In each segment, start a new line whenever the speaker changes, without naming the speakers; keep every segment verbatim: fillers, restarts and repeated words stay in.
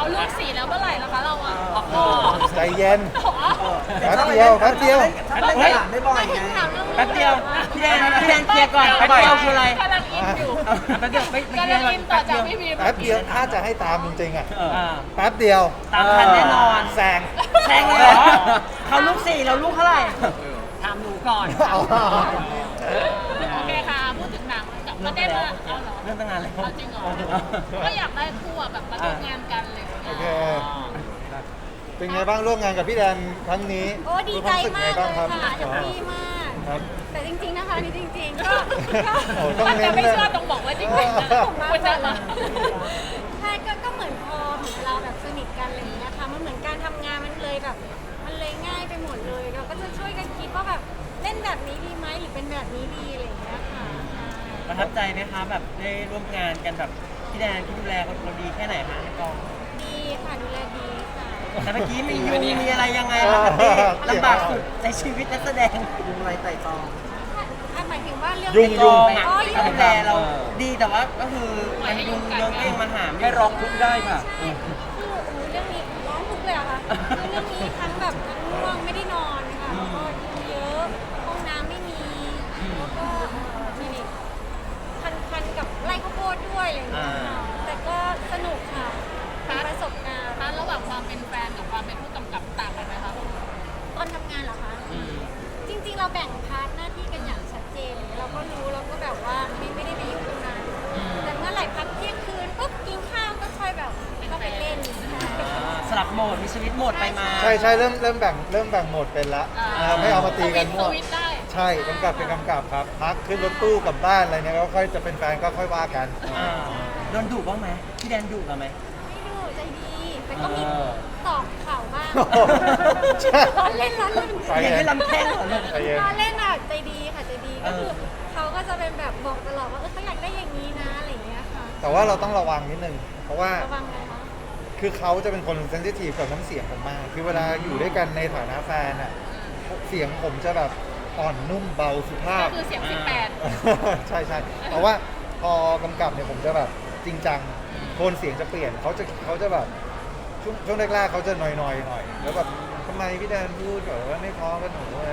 ลูกสี่แล้วเมื่อไหร่ล่ะคะเราอ่ะ
ใจเย็น
แต่
แป๊บ
ชอบ
เดียวแป๊บเดียว
ชอบเล่นกระดาษได้บ่อยไง
แป๊บเดียวพี่แดนพี่แดนเคลียร์ก่อนแป๊บเดียวคืออะไร
กำลังอินอยู่
แป๊บเดียวไม่ไม่
กำ
เคลี
ลั
ย
ง
ร์ก่อน
อินต่อ
แป๊บ
จาก
เดียว
พี่บีม
แป๊บเดียวถ้าจะให้ตามจริงๆอ่ะ
อ่า
แป๊บเดียว
ตามทันแน่นอน
แซง
แซงเลยเหรอเขาลูกสี่เราลูกเท่าไหร่ถามหนูก่อน
เอา
โอเคค่ะพูดถึงหนังกับก็ได้มาเอาเหรอ
เรื่องตั้งนานแล้ว
เอาจริงเหรอก็อยากได้คู่อะแบบมาร่วมงานกันเลย
โอเค เป็นไงบ้างร่วมงานกับพี่แดนครั้งนี้
โอ้ดีใจมากเลยค่ะแฮป
อ๋อ
ปี้มาก
ครับ
แต่จริงๆนะคะนี่จริง ๆ ก็ก็
โอ้ต้อง
มัน
เน้
จะ
น
ไม่
เลย
เชื่อต้องบอกว่าจริงๆนะ
ผมมา
คุณจะมา
ใช่ก็ก็เหมือนพอเหมือนเราแบบสนิทกันอะไรอย่างเงี้ยค่ะมันเหมือนการทำงานมันเลยแบบ มันเลยง่ายไปหมดเลย เราก็จะช่วยกันคิดว่าแบบเล่นแบบนี้ดีไหมหรือเป็นแบบนี้ดีอะไรอย่างเงี้ยค่ะ
ประทับใจไหมคะแบบได้ร่วมงานกันแบบพี่แดนพี่ดูแลเราดีแค่ไหนคะในกอง
ดีค่ะดูแลดีค่ะ
แต่เมื่อกี้มียุงมีอะไรยังไงคะพี่ลำบากสุดในชีวิตนักแสดง
ยุงไรไต่ตอง
อ่ะหมายถึงว่าเรื่อง
ยุ่ง
กอง
อ๋อ
ที่
ยุ่
เขา
ง
ดูแลเราดีแต่ว่าก็คือมันยุงเยอะเองมันหามให้ร้องทุกได้ค่ะ
ใช่คือโอ้โหเรื่องนี้ร้องทุกเลยเหรอะค่ะคือเรื่องนี้ทั้งแบบทั้งง่วงไม่ได้นอนค่ะแล้วก็ยุงเยอะห้องน้ำไม่มีแล้วก็เอ่อนี่นี่คันๆกับไร่ข้าวโพดด้วยอะไรอย่างเงี้ยค่ะแต่ก็สนุกค่ะเป็นประสบการณ์
ถ้าระหว่างความเป็นแฟนกับความเป็นผู้กำกับต่างกันไหมคะ
ตอนทำงานเหรอคะจริงๆเราแบ่งพาร์ทหน้าที่กันอย่างชัดเจนเราก็รู้เราก็แบบว่าไม่ไม่ได้ไปยุ่งตรงนั้นแต่เมื่อไหร่พักเที่ยงคืนปุ๊บกินข้าวก็ค่อยแบบเข้าไปเล่น
สลับโหมดมีสวิตช์โหมดไปมา
ใช่ใช่เริ่มเริ่มแบ่งเริ่มแบ่งโหมดเป็นละนะครับไม่เอามาตีกัน
ส
มั่ว
วิตช์ได้
ใช่กำกับเป็นกำกับครับ พักขึ้นรถตู้กลับบ้านอะไรเนี่ยก็ค่อยจะเป็นแฟนก็ค่อยว่ากัน
อ่าโดนดุบ้างไหมพี่แดนดุเราไหม
ไม่ดูใจดี แต่ก็มี
เออ
ตอบข่าวบ้าง
โอ้โหใช่
ล้อเล่นล้อเล่น
ใจ
เห็น
เย็
ให้
น
ลำแข้งเหรอลูก
ใจเย็น
ล้อเล่นอ่ะใจดีค่ะใจดีก็คือ
เออ
เขาก็จะเป็นแบบบอกตลอดว่าเออเขาอยากได้อย่างนี้นะอะไรอย่างเงี้ยค่ะ
แต่ว่าเราต้องระวังนิดนึง เพราะว่า
ระวังเลยนะ
คือเขาจะเป็นคนเซนซิทีฟกับน้ำเสียงผมมาก คือเวลาอยู่ด้วยกันในฐานะแฟนอะเสียงผมจะแบบอ่อนนุ่มเบาสุภา
ก็
พ
คือเสียงสิบแปด
ใช่ใช่แต่ว่าพอกำกับเนี่ยผมจะแบบจริงจังโทนเสียงจะเปลี่ยนเขาจะเขาจะแบบช่วงช่วงแรกๆเขาจะหน่อยๆหน่อยแล้วแบบทำไมพี่แดนพูดแบบว่าไม่พอกับหนูอะ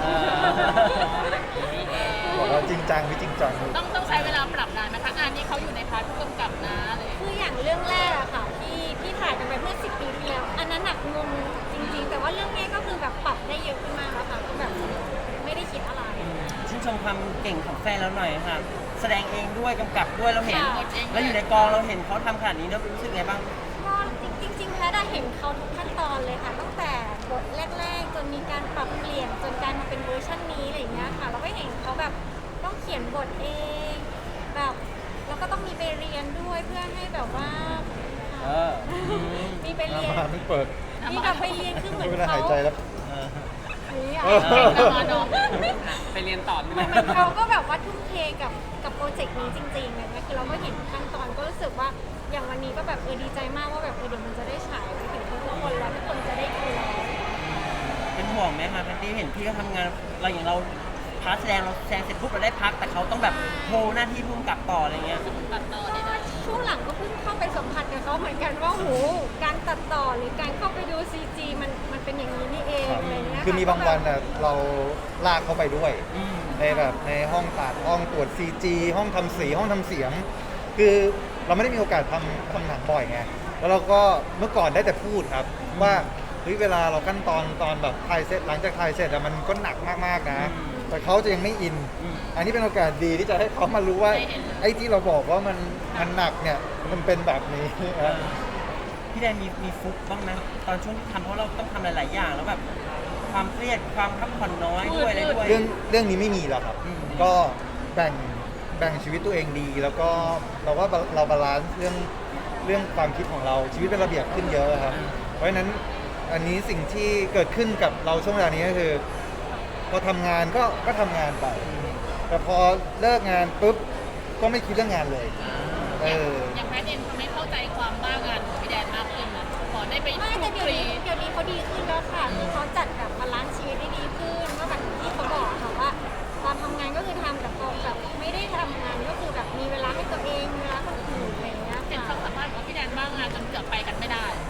บอกว่าจริงจังพี่จริงจัง
ต้องต้องใช้เวลาปรับนานไหมคะงานนี้เขาอยู่ในพาร์ทผู้กำกับนะอะไรอย่าง
คื
เลย
ออย่างเรื่องแรกอะค่ะที่ที่ถ่ายกันไปเมื่อสิบปีที่แล้ว อันนั้นหนักงงจริง ๆ แต่ว่าเรื่องนี้ก็คือแบบปรับได้เยอะขึ้นมากแล้วค่ะก็แบบไม่ได้คิดอะไร
ชื่นชมความเก่งของแฟนเราหน่อยค่ะ แสดงเองด้วยกำกับด้วยเราเห็น
ค่ะ
แล้วอยู่ในกองเราเห็นเขาทำขนาดนี้แล้วรู้สึกไงบ้าง
ก็จริงๆแพทย์ได้เห็นเขาทุกขั้นตอนเลยค่ะ ตั้งแต่บทแรกๆ จนมีการปรับเปลี่ยนจนกลายมาเป็นเวอร์ชันนี้อะไรอย่างเงี้ยค่ะ เราก็เห็นเขาแบบต้องเขียนบทเองแบบแล้วก็ต้องมีไปเรียนด้วยเพื่อให้แบบว่า
เออ
มีไปเรียน
มาไม่เปิด
มีแบบไปเรียนคือเหมือน
เวลา
เขา
หายใจแล้ว
นี่อะ
เออ
เก่งจังเลยเนาะ
ไปเรียนต่อ
เหมือนเขาก็แบบว่าทุ่มเทกับกับโปรเจกต์นี้จริงๆเลยนะคือเราก็เห็นขั้นตอนก็รู้สึกว่าอย่างวันนี้ก็แบบเออดีใจมากว่าแบบเออเดี๋ยวมันจะได้ฉายไปถึงทุกคนแล้วทุกคนจะได้ดูแล้ว
เป็นห่วงไหมคะแพตตี้เห็นพี่เขาทำงานเราอย่างเราพาร์ทแสดงเราแสดงเสร็จปุ๊บเราได้พักแต่เขาต้องแบบโฮหน้าที่พุ่งกลับต่ออะไรเงี้ย
ตัดต่อ
ก็
ได้
ช่วงหลังก็เพิ่งเข้าไปสัมผัสกับเขาเหมือนกันว่าโหการตัดต่อหรือการเข้าไปดูซีจีมันมันเป็นอย่างนี้นี่เองอะไรเงี้ย
คือมีบางวันอ่ะเราลากเขาไปด้วย
อืม
ในแบบในห้องตัดห้องตรวจ ซี จี ห้องทำสีห้องทำเสียง คือเราไม่ได้มีโอกาสทำทำหนังบ่อยไงแล้วเราก็เมื่อก่อนได้แต่พูดครับ ว่าเฮ้ยเวลาเราขั้นตอนตอนแบบถ่ายเสร็จหลังจากถ่ายเสร็จอะมันก็หนักมากๆนะ แต่เขาจะยังไม่อิน อันนี้เป็นโอกาสดีที่จะให้เขามารู้ว่าไอ้ที่เราบอกว่ามันมันหนักเนี่ยมันเป็นแบบนี้นะ
พี่แดนมีมีฟุกบ้างไหมตอนช่วงที่ทำเพราะเราต้องทำหลาย ๆ อย่างแล้วแบบความเครียดความพักผ่อนน้อยด้วยอะไรด้วย
เรื่องเรื่องนี้ไม่มีแล้วครับ
อืม
ก็แบ่งแบ่งชีวิตตัวเองดี แล้วก็เราว่าเราบาลานซ์เรื่องเรื่องความคิดของเราชีวิตเป็นระเบียบขึ้นเยอะครับ เพราะฉะนั้นอันนี้สิ่งที่เกิดขึ้นกับเราช่วงเวลานี้ก็คือ พอทำงานก็ก็ทำงานไป แต่พอเลิกงานปุ๊บก็ไม่คิดเรื่องงานเลยเออ
อย่างแพทย์เองทำให้เข้าใจความบ้างานของพี่แดนมากขึ้นนะขอได้ไป
ไม่แต่
ค
เดี๋ยว
ลี
นี้เดี๋ยวนี้เขาดีขึ้นแล้วค่ะคือเขาจัดแบบบาลานซ์ชีวิตได้ดีขึ้นว่าแบบที่เขาบอกค่ะว่าตอนทำงานก็คือทำแต่พอแบบไม่ได้ทำงานก็คือแบบมีเวลาให้ตัวเองมีเวลาคนอื่นอะไรอย่างเงี้ย
เห็น
ค่ะ
ความสามารถของพี่แดนบ้างงานจนเกือบไปกันไม่ได้
ใ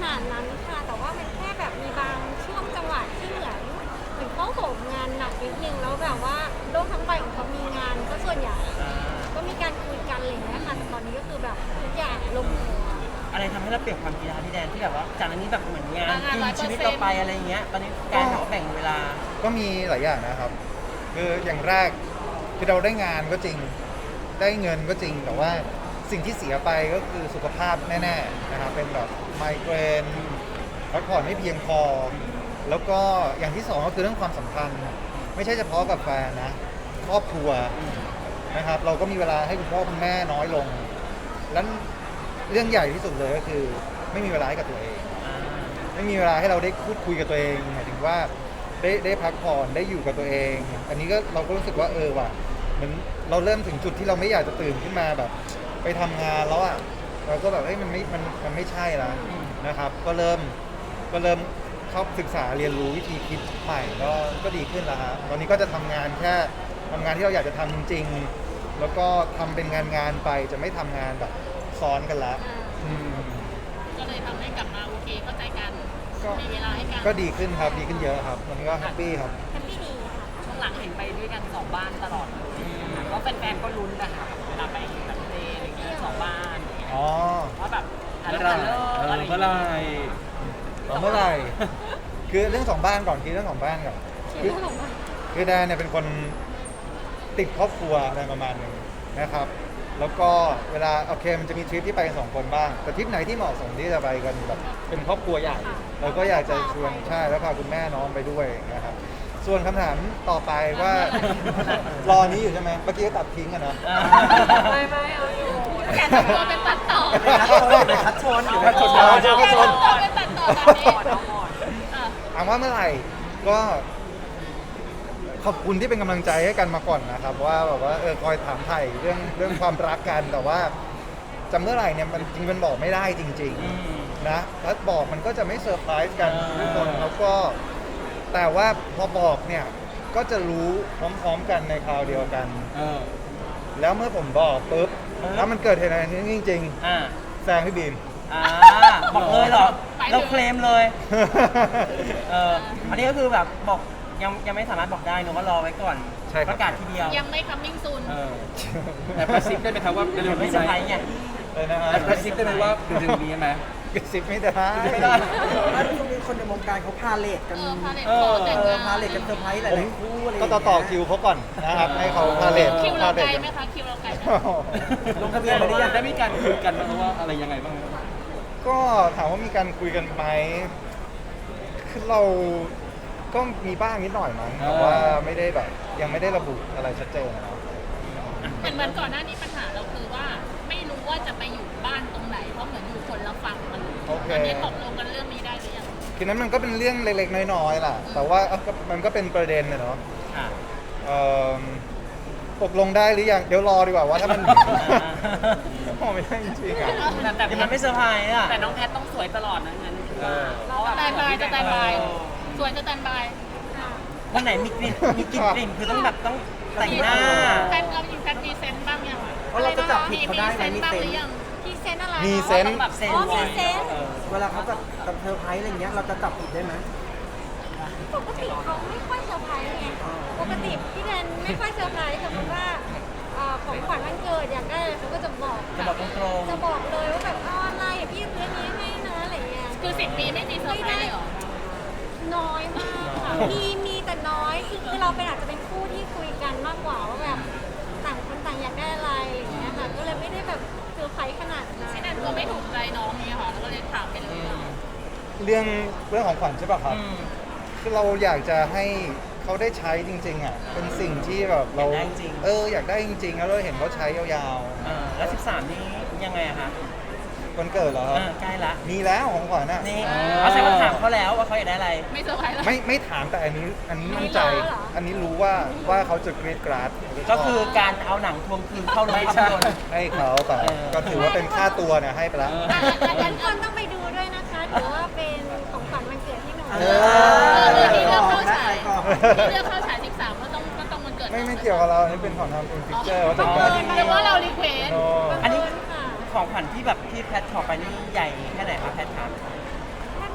นาดนั้นค่ะ แต่ว่ามันแค่แบบมีบางช่วงจังหวะที่เหมือนเหมือนเขาโหมงานหนักนิดนึงแล้วแบบว่าโลกทั้งใบของเขามีงานก็ส่วนใหญ่
อ่า
ก็มีการคุยกันอะไรอย่างเงี้ยค่ะแต่ตอนนี้ก็คือแบบทุกอย่างลงตัว
อะไรทำให้เราเปลี่ยนความคิดนะคะพี่แดนที่แบบว่าจากอันนี้แบบเหมือนงานกินชีวิตเราไปอะไรอย่างเงี้ยตอนนี้การหาแบ่งเวลา
ก็มีหลายอย่างนะครับ คืออย่างแรกคือเราได้งานก็จริงได้เงินก็จริง แต่ว่าสิ่งที่เสียไปก็คือสุขภาพแน่ๆนะครับเป็นแบบไมเกรนพักผ่อนไม่เพียงพอ แล้วก็อย่างที่สองก็คือเรื่องความสัมพันธ์ไม่ใช่เฉพาะกับแฟนนะครอบครัวนะครับ เราก็มีเวลาให้คุณพ่อคุณแม่น้อยลง แล้วเรื่องใหญ่ที่สุดเลยก็คือ ไม่มีเวลาให้กับตัวเอง ไม่มีเวลาให้เราได้พูดคุยกับตัวเองหมายถึงว่าได้ได้พักผ่อนได้อยู่กับตัวเอง อันนี้ก็เราก็รู้สึกว่าเออว่ะเหมือนเราเริ่มถึงจุดที่เราไม่อยากจะตื่นขึ้นมาแบบ ไปทำงานแล้วอ่ะเราก็แบบเฮ้ยมันไม่มันมันไม่ใช่แล้วนะครับ ก็เริ่มก็เริ่มเข้าศึกษาเรียนรู้วิธีคิดใหม่ก็ก็ดีขึ้นแล้วฮะตอนนี้ก็จะทำงานแค่ทำงานที่เราอยากจะทำจริงๆ แล้วก็ทำเป็นงานงานๆไปจะไม่ทำงานแบบซ้อนกันละอืม
ก็เลยทำให้กลับมาโอเคเข้าใจกัน
ก็
มีเวลาให้กัน
ก็ดีขึ้นครับดีขึ้นเยอะครับวันนี้ก็แฮปปี้ครับ
แฮปปี้ดีค่ะ
ช่วงหลังเห็นไปด้วยกันสองบ้านตลอดเลยก็แฟนๆก็ลุ้นนะคะเวลาไปแบบเทอะไรอย่างเงี้ยสองบ้านอย่างเงี้ย
อ๋อ
ว่าแบบฮัล
เมื่
โห
อ
ล
ไหร่
ฮัลโหลอะไรอย่าง
เมื่อไหร่
เงี้ย
ต่อเมื่อไหร่ คือเรื่องสองบ้านก่อนคือเรื่องของบ้านก่อนคือคือแดนเนี่ยเป็นคนติดครอบครัวอะไรประมาณหนึงนะครับ แล้วก็เวลาโอเคมันจะมีทริปที่ไปกันสองคนบ้าง แต่ทริปไหนที่เหมาะสมที่จะไปกันแบบเป็นครอบครัวใหญ่ เราก็อยากจะชวนใช่แล้วพาคุณแม่น้องไปด้วยนะครับ ส่วนคำถามต่อไปว่า รอนี้อยู่ใช่ไหมเมื่อกี้ก็ตัดทิ้งอะเนาะ
ไม่ไม่เอาอยู่
แกทำตัวเป็นตัดต่อ
เป็นคัดชนเป็นคัดชน
คัดชน
แกทำตัวเป็นตัดต่อแบบนี้เออ
ถามว่าเมื่อไหร่ก็ขอบคุณที่เป็นกำลังใจให้กันมาก่อนนะครับว่าแบบว่าเออคอยถามไถ่เรื่องเรื่องความรักกันแต่ว่าจำเมื่อไหร่เนี่ยมันจริงมันบอกไม่ได้จริง
อืม
ๆนะถ้าบอกมันก็จะไม่เซอร์ไพรส์กัน
อ่า
ทุกคนแล้วก็แต่ว่าพอบอกเนี่ยก็จะรู้พร้อมๆกันในคราวเดียวกัน
เออ
แล้วเมื่อผมบอกปุ๊บแล้วมันเกิดเหตุอะไรนี้จริง
อ่า
ๆแซงพี่บีม
อ่าบอกเลยเหรอเราเคลมเลยเอออันนี้ก็คือแบบบอกยังยังไม่สามารถบอกได้เนอะว่ารอไว้ก่อน
ใช่ครับ
ประกาศทีเดียว
ยังไม่ coming soon
เออแต่กระซิบได้ไหมครับว่าเร็วๆ
ไม่
นี้
เซอร์
ไห
ไพ
ม
รส์ไง
เลยนะฮะ
แต่กระซิบได้ไหมว่าเร็วๆนี้ไหม
กระซิบไม่ได้
ไม่ได้
แล้วช่วงนี้คนในวงการเขาพาเลทกัน
เออพาเลท
เออ
ขอแต่ง
เออง
าน
พาเลทกันเซอร์ไพรส์ห
ผม
ลายๆคู่อะไร
ก็ต่อต่อคิวเขาก่อนนะครับให้เขาพาเลท
คิวเรา
พ
ไกล
ท
ไหมคะคิวเราไกลไหม
ลงทะเบียนไปหรือยัง
ได้มีการคุยกันไหมว่าอะไรยังไงบ้างครับ
ก็ถามว่ามีการคุยกันไหมคือเราก็มีบ้างนิดหน่อยมั้งแต่ว่าไม่ได้แบบยังไม่ได้ระบุอะไรชัดเจนนะ
เหมือนเหมือนก่อนหน้านี้ปัญหาเราคือว่าไม่รู้ว่าจะไปอยู่บ้านตรงไหนเพราะเหมือนอยู่คนละฝั่งมัน
โอเค
อันนี้ตกลงกันเรื่องนี้ได้หรือยัง
คือนั้นมันก็เป็นเรื่องเล็กๆน้อยๆล่ะ แต่ว่าเอ้าก็มันก็เป็นประเด็นนะเนาะ
อ่า
เอิ่มตกลงได้หรือยังเดี๋ยวรอดีกว่าว่าถ้ามัน โอ้ไม่ได้จริงๆอ่ะ
แต่แต่
เดี๋ยวมันไม่เซอร์ไพรส์อ่ะ
แต่น้องแพทต้องสวยตลอดนะงั้น
เออ
สแตนบายสแตนบายสวยสแตนบาย
วันไหนมีกลิ่นมีกลิ่นกลิ่นคือต้องแบบต้องแต่งหน้า
แพทเราจริงแพทมีเซนต์บ้างยัง
เพราะเราจะจับผิดเขาได้ไหม
มี
มี
เซนต์บ้าง
เซ
ห
น
รือ
ส์
ยัง
พรีเซนต์อะไร
มีเซน
ต้อง
ต์
แบบเซน
อ๋อ
ส์
มีเซนต์
เออ
เวลาเขาจับกับเซอร์ไพรส์อะไรเงี้ยเราจะจับผิดได้ไหม
ปกติเขาไม่ค่อยเซอร์ไพรส์ไง ปกติพี่แดนไม่ค่อยเซอร์ไพรส์สมมติว่าเอ่อของขวัญวันเกิดอยากได้อะไรเขาก็จะบอก
จะบอกตรง
จะบอกเลยว่าแบบเอาอะไรพี่ซื้ออันนี้ให้นะอะไรเงี้ย
คือสิบปีไม่มีเซอร์ไพรส์เลยเหรอ
น้อยมากค่ะมีมีแต่น้อยคือคือเราเป็นอาจจะเป็นคู่ที่คุยกันมากกว่าว่าแบบต่างคนต่างอยากได้อะไรอย่างเงี้ยค่ะ ก็เลยไม่ได้แบบเซอร์ไพรส์ขนาดนั้น
ที่แนนตัวไม่ถูกใจน้องนี่ค่ะ แล้วก็เลยถามไปเลยอะ
เรื่องเรื่องของขวัญใช่ป่ะครับ
อืม
คือเราอยากจะให้เขาได้ใช้จริงๆอ่ะ เป็นสิ่งที่แบบเรา
อยากได้จริง
เอออยากได้จริงๆ แล้วเราเห็นเขาใช้ยาว
เออแล้วสิบสามนี้ยังไงอะคะ
ๆวันเกิดเหรอค
เอ
รับ
อใกล้ละ
มีแล้วของขวัญอ่ะ
นี่เอาใส่มาถามเขาแล้วว่าเขาอยากได้อะไร
ไม่เซอร์ไพรส์แล้ว
ไม่ไม่ถามแต่อันนี้อันนี้มั่นใจ อันนี้รู้ว่าว่าเขาจะกรีดกราด
ก็คือการเอาหนังทวงคืนเข้าโรงภาพยนตร์
ให้เขาแต่
เออ
ก็ถือว่าเป็นค่าตัวเนี่ยให้ไปแล้ว
อ่ะแต่ทุกคนต้องไปดูด้วยนะคะถือว่าเป็นของขวัญวันเกิดให้หนู
เอ
เออ
อ
ที่เลือกเข้า
ได้
ฉาย
ก่อน
ที่เลือกเข้าฉายสิบสามก็ต้องก็ต้องวันเกิด
ไม่ไม่เกี่ยวกับเราอันนี้เป็นของทำเป็นฟิกเจอร์ว่า
อ๋
จะ
อ
การ
หรือว่าเรารีเควส
โน
อันนี้
ค่ะ
ของขวัญที่แบบที่แพทขอไปนี่ใหญ่แค่ไหนคะแพทถาม
ก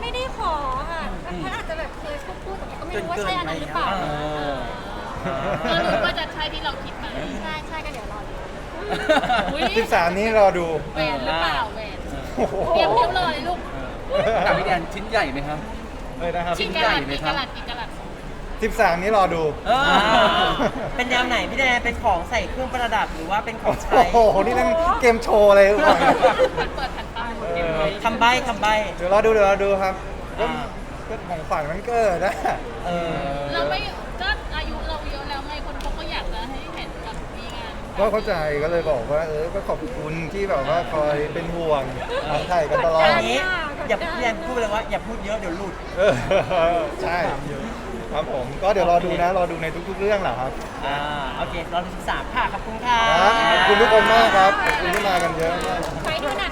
ไม่ได้ขอค่ะแพทย์อาจจะแบบเคยพูดพูดแต่ก็ไม่รู้ว่าใช่อันนั้นหรือเปล่า
เออ
ก็รู้ว่าจะใช่ที่เราคิดไหม
ใช่ใช่ก็เดี๋ยวรอดู
อุ้ย
สิบสามนี้รอดู
แหวนหรือเปล่าแหวน
โอ้โห
เตรียมเรียบร้อยลูก
กับพี่แดนชิ้นใหญ่ไหมครับ
เลยนะครับ
กี่กะลัดกี่กะลัดกี่กะลัด
สิบสามนี้รอดู
เออเป็นแนวไหนพี่แดนเป็นของใส่เครื่องประดับหรือว่าเป็นของใช้
โอ้โห นี่นั่นเกมโชว์อะไรหรือเปล่าเนี่ย
มันเปิดแผ่นป้าย
เออ
คำใบ้คำใบ้
เดี๋ยวรอดูเดี๋ยวรอดูครับก็
อ่า
ก็ของฝันมันเกิดนะ
เออ
เราไม่ก็อายุเราเยอะแล้วไงคนเขาก็อยากจะให้เห็นกับมีงาน
ก็เข้าใจก็เลยบอกว่า เออ ก็ขอบคุณที่แบบว่าคอยเป็นห่วงทางไทยกันตลอด
อันนี้อย่าพี่แดนพูดเลยว่าอย่าพูดเยอะเดี๋ยวหลุด
เออใช่ครับผมก็เดี๋ยวรอดูนะ รอดูในทุกๆเรื่องแหละครับ
อ่าโอเคเราสิบสามค่ะขอบคุณค่ะ
ครับขอบคุณทุกคนมากครับขอบคุณที่มากันเยอะมาก
ไปดูไหน